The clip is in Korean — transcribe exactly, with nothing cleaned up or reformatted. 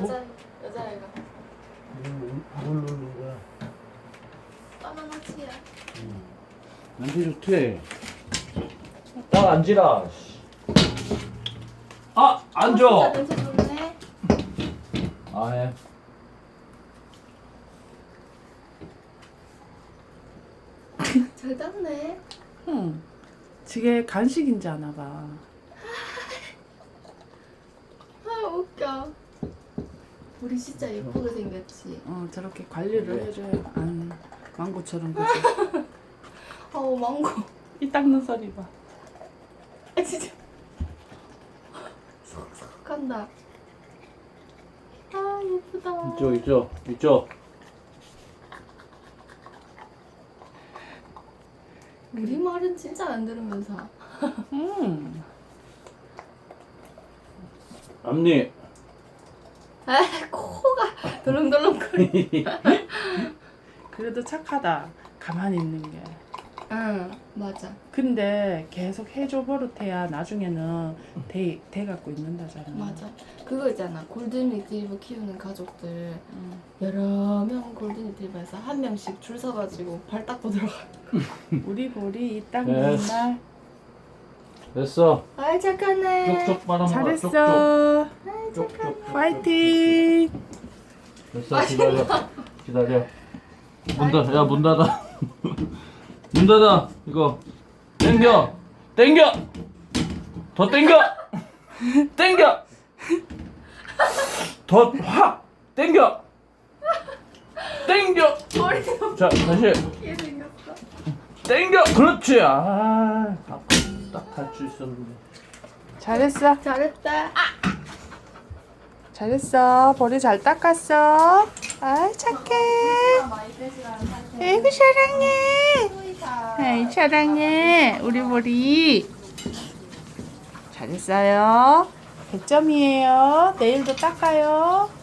여자 여자애가 뭘 누른 거야? 바나나 치야. 냄새 좋대. 딱 앉으라. 아, 앉아. 진짜 냄새 좋네. 아, 해. 잘 땄네. 응. 저게 간식인지 아나 봐. 아 웃겨. 우리 진짜 예쁘게 생겼지. 어, 저렇게 관리를 해줘야 안 망고처럼 그지. 어우 망고. 이 닦는 소리 봐. 아 진짜. 쏙쏙 한다. 아 예쁘다. 이쪽, 이쪽, 이쪽. 우리 말은 진짜 안 들으면서. 음. 앞니. 아 코가 덜렁덜렁거리. 그래도 착하다. 가만히 있는 게. 응 맞아. 근데 계속 해줘 버릇해야 나중에는 대, 대 갖고 있는다잖아. 맞아. 그거 있잖아. 골든 리트리버 키우는 가족들 응. 여러 명 골든 리트리버에서 한 명씩 줄 서가지고 발 닦고 들어가. 우리 보리 이 닦는 됐어. 날 됐어. 아이 착하네. 쪽쪽 빨아먹어. 잘했어. 쪽쪽. 쪽쪽. 파이팅. 됐어. 기다려. 기다려. 문 닫아. 야, 문 닫아. 문 닫아. 이거 땡겨. 땡겨. 더 땡겨. 땡겨. 더 확 땡겨. 땡겨. 머리도 자, 다시 웃기게 생겼어. 땡겨. 그렇지. 아, 딱할 수 있었는데. 잘했어. 잘했다. 아! 잘했어. 보리 잘 닦았어. 아이 착해. 많이 빼시라는 상태. 아이고 사랑해. 소이다. 아이 사랑해. 우리 보리. 잘했어요. 백 점이에요. 내일도 닦아요.